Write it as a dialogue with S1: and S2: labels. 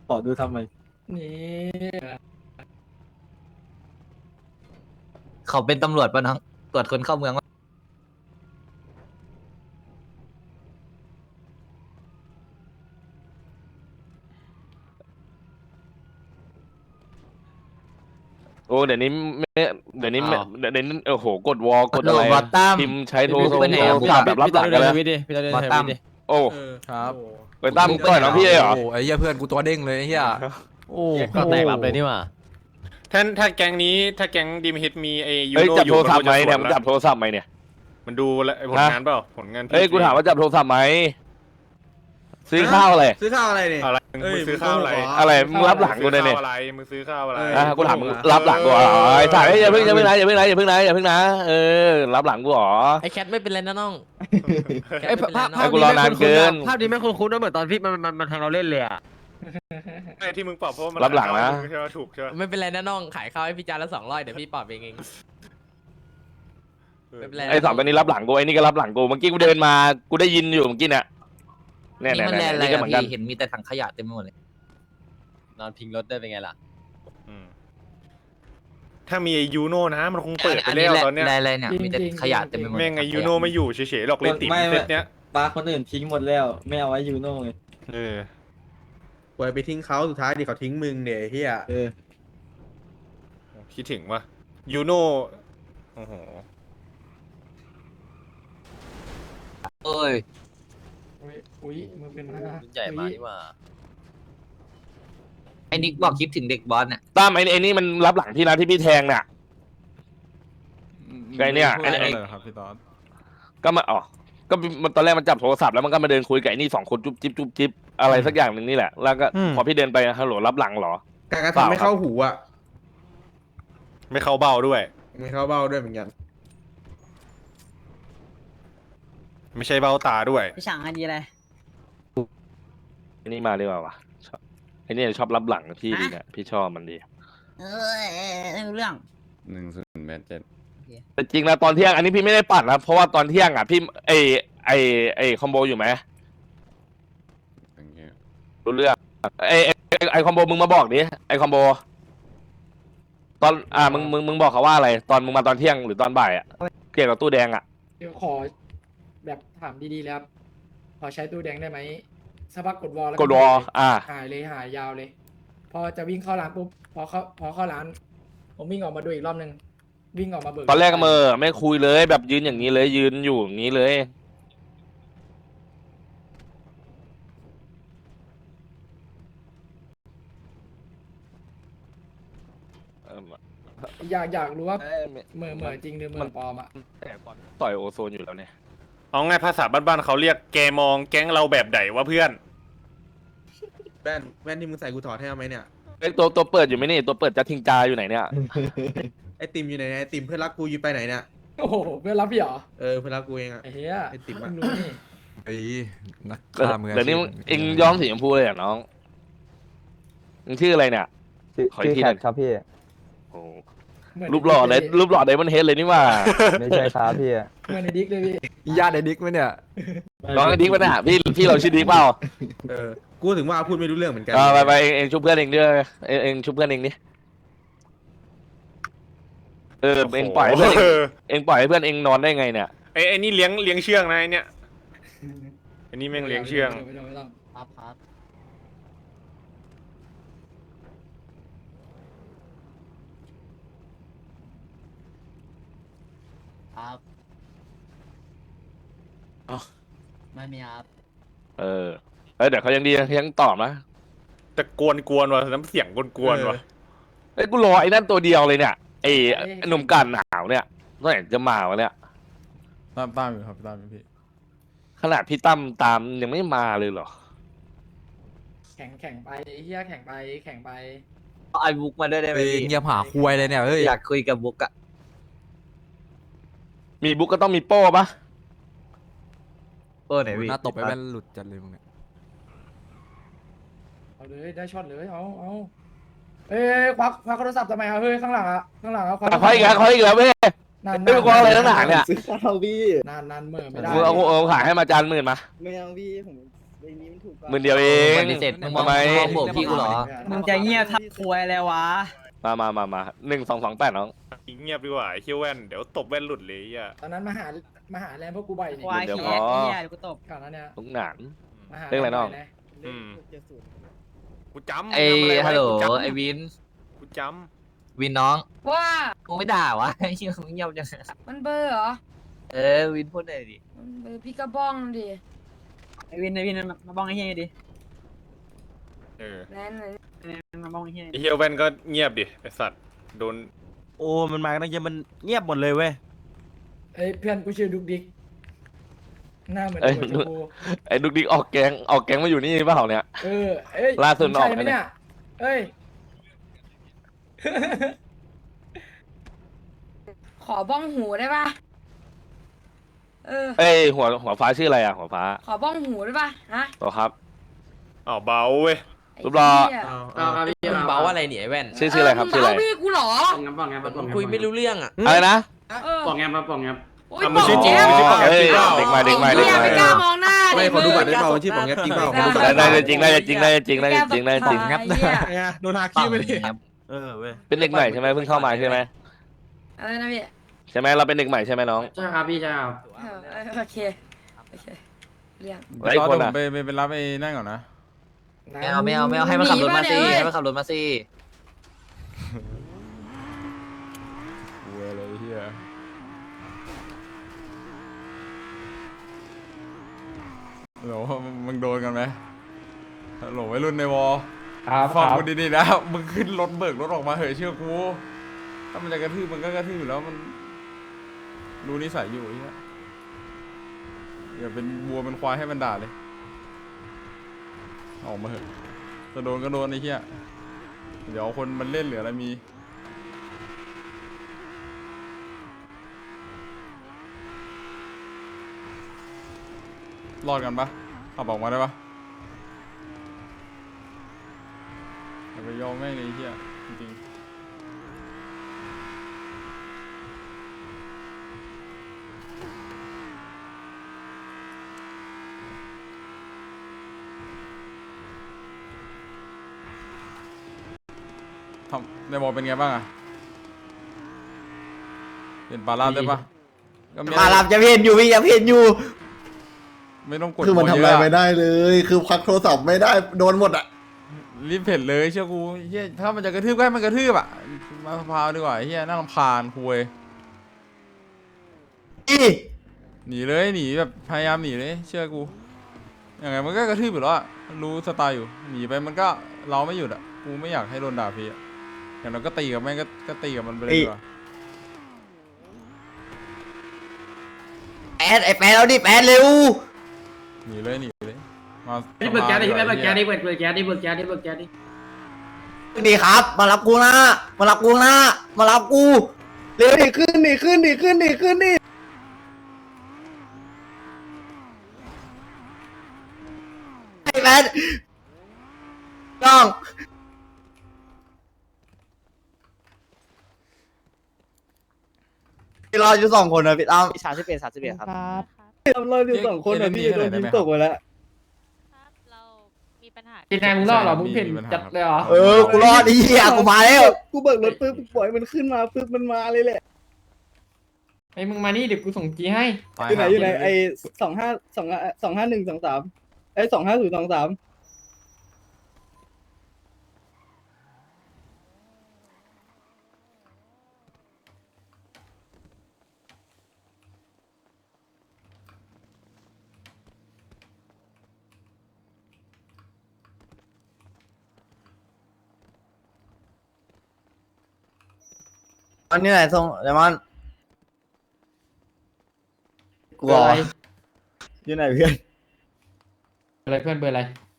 S1: ขอดูทำไม
S2: นี่
S3: เขาเป็นตำรวจปะน้องตรวจคนเข้าเมืองวะ
S4: โอ้เดี๋ยวนี้ไม่เดี๋ยวนี้ไม่เดี๋ยวนี้โอ้โหกดวอลกดอะไร
S3: บอตตั้ม
S4: พิมพ์ใช้โทร
S3: บุ๊กไปไหนอะ
S4: ศัพท์แบบรับหลังกันแล้ว
S5: พี่ตาเดิน
S3: บอต
S5: ใช้
S3: ตั้ม
S5: วิธี
S4: โอ้
S5: ครับ
S4: ไปตั้มต่อยน้องพี่เลยเหรอ
S5: โอ้ไอ้เหี้ยเพื่อนกูตัวเด้งเลยไอ้เหี้ยโอ้
S6: ก็แตกรับเลยนี่หว่า
S7: ถ้าแก๊งนี้ถ้าแก๊งดีมฮิตมีไอยู
S4: เฮ้ย
S7: โน
S4: จับ
S7: อยู่
S4: โทรศัพท์ไหม
S7: ก็
S4: เนี่ย
S7: จะ
S4: มึง
S7: สว
S4: จับโทรศัพท์ไหมเนี่ย
S7: มันดูแลผลงานเปล่าผลงานพี่
S4: เฮ้ยกูถามว่าจับโทรศัพท์ไหมซื้อข้าวอะไร
S8: ซื้อข้าวอะไรเนี่ย
S7: อะไรมึงซื้อข้าวอะไร
S4: อะไรมึงรับหลังกูเนี่ย
S7: มึงซื้อข้าวอะไร
S4: กูถามมึงรับหลังกูเหรอไอ้ถ่ายอย่าเพิ่งนะอย่าเพิ่งนะอย่าเพิ่งนะอย่าเพิ่งนะรับหลังกูเหรอ
S6: ไอ้แคทไม่เป็นไรนะน้องแคท
S8: ไอ้
S6: ไม่เป็นไร
S8: ภาพ
S6: น้อ
S4: ให้
S6: ง
S4: กูรอนานเกิน
S8: ภาพนี้ไม่คุ้นๆนะเหมือนตอนพี่มันแทงเราเล่นเลยอ่ะ
S7: ไอ้ที่มึงปรับเพราะว่ามัน
S4: รับหลังนะ
S7: ใช่ไหมถูกใช่ไหม
S6: ไม่เป็นไรนะน้องขายข้าวให้พี่จานละ200เดี๋ยวพี่ปรับเองไม่เป็นไรนะ
S4: ไอ้สองตัวนี้รับหลังกูไอ้นี่ก็รับหลังกูเมื่อกี้กูเดินมากูได้ยินอยู่เมื่อกี้เนี่ยเนี่ย
S3: นี่มันแลนด์อะไร
S4: นี่ก็
S3: อะ
S4: เหมือนกัน
S3: พี่เห็นมีแต่ถังขยะเต็มไปหมดเลย
S6: นอนพิงรถได้เป็นไงล่ะ
S7: อืมถ้ามีไอยูโนนะมันคงเปิดไป
S3: อัน
S7: แล้
S3: นี้
S7: ว
S3: แหละ
S7: ตอนเนี้ย
S3: แลนด์อะไรเนี่ยมีแต่ขยะเต็มไปหมด
S7: แม่งไอยูโนไม่อยู่เฉยๆหรอกเลยติ่ม
S1: ไม่
S7: เซตเนี้ย
S1: ปลาคนอื่นทิ้งหมดแล้ว ไม่เอาไว้ยูโน่เลย
S7: เออ
S8: ปล่อยไปทิ้งเขาสุดท้ายดิเขาทิ้งมึงเนี่ยไอ้เฮีย
S1: เออ
S7: คิดถึงว่ายูโนโอ้โห
S3: เอ้ย
S2: อุ้ยมือเป็นหน้า
S6: รุ่นใหญ่มานี่หว่า
S3: ไอ้นิกบอกคิดถึงเด็กบอสเนี่ย
S4: ตั้มไอ้นี่มันรับหลังพี่นะที่พี่แทงน่ะ ไงเนี่ยไอ้
S5: อะไรครับพี่ตอน
S4: ก็มาก็มันตอนแรกมันจับโทรศัพท์แล้วมันก็มาเดินคุยกับไอ้นี่2 คนจุ๊บจิ๊บอะไรสักอย่างหนึ่งนี่แหละแล้วก็พอพี่เดินไปฮัลโหลรับหลังเหรอ
S8: การกระทำไม่เข้าหูอ่ะ
S7: ไม่เข้าเบ้าด้วย
S8: ไม่เข้าเบ้าด้วยเหมือนกัน
S7: ไม่ใช่เบ้าตาด้วย
S9: พี่ฉางอันดีอะไร
S4: ไอ้นี่มาดีกว่าวะชอบไอ้นี่ชอบรับหลังพี่ดีเนี่ยพี่ชอบมันดี
S9: ไม่รู้เรื่อง
S4: แต่จริงนะตอนเที่ยงอันนี้พี่ไม่ได้ปั่นนะเพราะว่าตอนเที่ยงอ่ะพี่ไอคอมโบอยู่ไหมรู้เรื่องไอคอมโบมึงมาบอกดิไอคอมโบตอนมึงบอกเขาว่าอะไรตอนมึงมาตอนเที่ยงหรือตอนบ่ายอ่ะเกี่ยวกับตู้แดงอ่ะ
S2: เดี๋ยวขอแบบถามดีๆแล้วขอใช้ตู้แดงได้ไหมสักพักกดวอลแล้ว
S4: กดวอ
S2: หายเลยหายยาวเลย พอจะวิ่งเข้าร้านปุ๊บพอเข้าร้าน ผมวิ่งออกมาดูอีกรอบนึงวิ่งออกมาเบิก
S4: ตอนแรกก็ไม่คุยเลยแบบยืนอย่างนี้เลยยืนอยู่อย่างนี้เลยเออ
S2: อยากรู้ว่าเหม่อจริงหรือเหม่อปลอมอ่ะ
S4: แต่ก่อนต่อยโอโซนอยู่แล้วเนี่ย
S7: เอาง่ายภาษาบ้านๆเขาเรียกแกมองแก๊งเราแบบไหนวะเพื่อน
S8: แว่นที่มึงใส่กูถอดให้เอาไหมเนี่ย
S4: ไอตัวเปิดอยู่ไหมนี่ตัวเปิดจะทิ้งจาอยู่ไหนเนี่ย
S8: ไอติมอยู่ไหนเนี่ยไอติมเพื่อนรักกูอยู่ไปไหนเนี่ย
S2: โอ้โหเพื่อนรับพี่เหรอ
S8: เออเพื่อนรักกูเองอ่ะ
S2: ไอ้เหี้ย
S8: ไอ้ติ๋มอะ
S2: เพิ่งรู้นี่
S5: ไอ้นักฆ่ามืออาชีพ
S4: เดี๋ยวนี้เอ็งย้อมสีชมพูเลยเหรอน้องมึงชื่ออะไรเนี่ย ขออีกทีหนึ่ง
S1: ครับพี่
S4: โอ้
S2: เหมือน
S4: รูปหล่อเลยรูปหล่อไดมอนเฮดเลยนี่ว่า
S1: ไม่ใช่ครับพี่
S2: เหมือนในดิ๊กเลยพี่
S5: ญาติไอ้ดิ๊กไหมเนี่ย
S4: น้องไอ้ดิ๊กปะเนี่ยพี่เราชื่อดิ๊กเปล่า
S8: เออกูถึงว่าพูดไม่รู้เรื่องเหมือนกัน
S4: ไปเองชุบเพื่อนเองด้วยเองชุบเพื่อนเองดิเองปล่อยให้เพื่อนเองปล่อยให้เพื่อนเองนอนได้ไงเนี่ย
S7: ไอ้นี่เลี้ยงเชืองนะไอ้เนี่ยไอ้นี่แม่งเลี้ยงเชือง
S2: ไม่ต้อง
S9: ครับครับครับ
S4: อ๋อ
S9: ไม่มีครับ
S4: เดี๋ยวเขายังดียังตอบนะ
S7: แต่กวนว่ะน้ำเสียงกวนว่ะ
S4: เอ้ยกูรอไอ้นั่นตัวเดียวเลยเนี่ยไอ้หนุ่มกันหนาวเนี่ยเมื่อไหร่จะมาวะเนี่ย
S5: ตามอยู่ครับตามอยู่พี่
S4: ขนาดพี่ตั้มตามยังไม่มาเลยเหรอ
S2: แข่งไปไอ้เหี้ยแข่งไป
S3: เอาไอ้บุ๊กมาด้วยได้ไหม
S5: เฮ้ย
S3: พี่
S5: เงียบหาคุยเลยเนี่ยเฮ้ย
S3: อยากคุยกับบุ๊กอะ
S4: มีบุ๊กก็ต้องมีโป้ปะ
S3: โอ้ไหนพี่
S5: หน้าตบไปแว่นหลุดจัดเลยมึงเนี่ย
S2: เอาเลยได้ช็อตเลยเอาเอ้ยควักโทรศัพท์ทำไมอ่ะเฮ้ยข้างหลังอ่ะควัก
S4: เขาอีกแล้วเว้ย
S2: นาน
S4: ไม่กลัวอะไรทั้งหนาเนี่ย
S1: ซื้อข้าวพี่
S2: นานเหม่อไม่ได้
S4: เอาขายให้มาจาน10,000มา
S1: ไม่เอาพี่ผม
S4: หมื่นเดียวเอง
S3: ปฏิเสธมึงมอง
S4: ทำไม
S3: มองโบกพี่กูเหรอ
S9: มึงจะเงียบทับควยอะไรวะ
S4: มา1228น้อง
S7: เงียบดีกว่าไอ้เฮียแว่นเดี๋ยวตบแว่นหลุดเลยอ่ะ
S2: ตอนนั้นมาหาแรงพวกกูบ่อยนี่
S9: ควาย
S4: เดี๋ยว
S9: เหี้ย
S4: พอ
S9: เหี้ยเดี๋ยวกูตบ
S2: ก่อนหนั้านเนี่ย
S4: ลุงหนาน
S2: มาหา
S4: เรื่องอะไรน้อง
S2: บ่ย
S7: อืมกูจำ
S3: ไอ้ฮัลโหลไอ้วิน
S7: กูจ
S3: วินน้อง
S10: ว่า
S3: กูไม่ด่าวะไอ้เหี้ยมึงเงียบจัง
S10: มันเบอร์เหรอ
S3: เออวินพูดหน่อยดิ
S10: มันเบอร์พี่กระบ้องดิ
S9: ไอวินมาบ้องไอ้เหี้ยดิ
S7: ำเออ
S10: นั่นเลย
S9: มาบ้องไอ้เหี้ย
S7: ไอ้เฮียแว่นก็เงียบดิไอ้สัตว์โดน
S11: โอ้มันมาตั้งเยอะมันเงียบหมดเลยเว้ย
S2: เอ้ยเพื่อนกูชื่อดุกดิกหน้าเหมือน
S4: เอ้ย
S2: หัวชมพู
S4: ไอ้ดุกดิกออกแก๊งมาอยู่นี่เปล่าเนี่ย
S2: เอ้ย
S4: ล่าสุด
S2: มึงใช่
S4: ออก
S2: ไหม
S4: ไปเนี่ย
S2: เนี่ยเอ้ย
S10: ขอบ้องหูได้ปะ
S4: เอ้ยหัวฟ้าชื่ออะไรอ่ะหัวฟ้า
S10: ขอบ้องหูได้ปะฮะ
S4: ต่อครับ
S7: อ้าวเบาเว้ย
S10: ไอ้
S4: รูปหล่อ
S10: เหี้ย
S6: มึงเบาอะไรเนี่ยไอ้แว่น
S4: ชื่ออะไรครับ
S10: มึง
S4: ชื่ออะไร
S10: เาพี่กูเหรอ
S6: มึงคุยไม่รู้เรื่องอ่ะ
S4: อะไรนะ
S10: เออ
S9: ปองแงมาปองแงม
S10: โอ๊ย
S7: อ่ะมึงชื่อจริง
S10: บ
S7: มึงชื่อปองแง
S4: เอ้ย
S7: จริงเปล่า
S4: เด็กใหม่เด็กใหม่
S10: ไอ้
S4: เด็ก
S10: เหี้ย
S4: ใหม่
S10: ไม่กล้ามองหน้า
S8: ไม่
S10: ดิ
S8: ขอดูบัตร
S10: มึ
S8: ได้
S10: ง
S8: เปล่าชื่อปองแงจริงเปล่าขอดูบัตร
S4: ได้จริงได้จริงได้จริงได้จริงได้จริง
S10: แกแบบถ่ายไอ้เหี้ย
S8: ไงโดนหาขี้ไปดิ
S11: เออเว้ย
S4: เป็นเด็กใหม่ใช่ไหมเพิ่งเข้ามาใช่ไหม
S10: อะไรนะพี่
S4: ใช่ไหมเราเป็นเด็กใหม่ใช่ไหมน้อง
S9: ใช่ครับพี่ใช่ครับ
S10: โอเคเรื่อง
S4: แล้วอีกคนอ่ะ
S5: ไปรับไอ้นั่นก่อนนะ
S3: ไม่เอาให้มันขับรถมาสิให้มันขับรถมาสิ
S5: เว้ยเลยเฮียโหลมึงโดนกันไหมโหลวัยรุ่นในวอ
S2: ครับ
S5: ฟังกูดีๆนะมึงขึ้นรถเบิกรถออกมาเหอะเชื่อกูถ้ามันจะกระทืบมันก็กระทืบอยู่แล้วมันรู้นิสัยอยู่ไอ้เฮียอย่าเป็นวัวเป็นควายให้มันด่าเลยออกมาเหอะจะโดนก็โดนไอ้เหี้ยเดี๋ยวคนมันเล่นหรืออะไรมีรอดกันปะขับออกมาได้ปะอย่าไปยอมแม่งเลยไอ้เหี้ยจริงๆทำในบอลเป็นไงบ้างอะเป็นปลาลาบได้ปะก็ไม่
S3: พารับจะเพียนอยู่พี่จะเพียนอยู่
S5: ไม่ต้องกด
S8: คือมันทำอะไรไม่ได้เลย คือพักโทรศัพท์ไม่ได้โดนหมดอ่ะ
S5: รีบเผ็ดเลยเชื่อกูเฮียถ้ามันจะกระทืบก็ให้มันกระทืบอ่ะมาพาวดีกว่าเฮียน่ารำคาญคุยหนีเลยหนีแบบพยายามหนีเลยเชื่อกูยังไงมันก็กระทืบอยู่แล้วอะรู้สไตล์อยู่หนีไปมันก็เราไม่หยุดอ่ะกูไม่อยากให้โดนด่าพี่อะอย่างเราก็ตีกับแม่งก็ตีกับมันไปเลยดีกว่า
S3: ไอ้แปดเราดิแปดเร็ว
S5: หนีเลยมา
S9: พี่เบิกแก๊สดิพี่
S5: สภา
S9: เบิกแก๊สดิ
S5: ดีกว่า
S9: เบิกแก๊สดิเบิกแก๊สดิเบิกแก๊สดิ
S3: ดีครับ มารับกูนะมารับกูนะมารับกูเร็วดิขึ้นดิไอ้แปดน้องพี่รออยู่2 คนนะพี่ตั้ม31ครับ
S5: เราอยู่2 คนนะพี่โดนยิงตกไปแล้ว
S10: เรามีปัญหา
S2: กินแทนมึงรอดเหรอมึงเพ่นจัดเลยเหรอ
S3: กูรอดไอ้เหี้ยกูมาแล้ว
S8: กูเบิกรถปึ๊บปล่อยมันขึ้นมาปึ๊บมันมาเลยแหละ
S2: ไอ้มึงมานี่เดี๋ยวกูส่งจีให้
S8: อยู่ไหนไอ้25123ไอ้25023
S3: อันนี้ไหนส่งเดมอนกู
S2: เบอร์อะไร
S3: อยู่ไหนเพื่อน
S2: อะไรเพื่อนเบอร์อะไร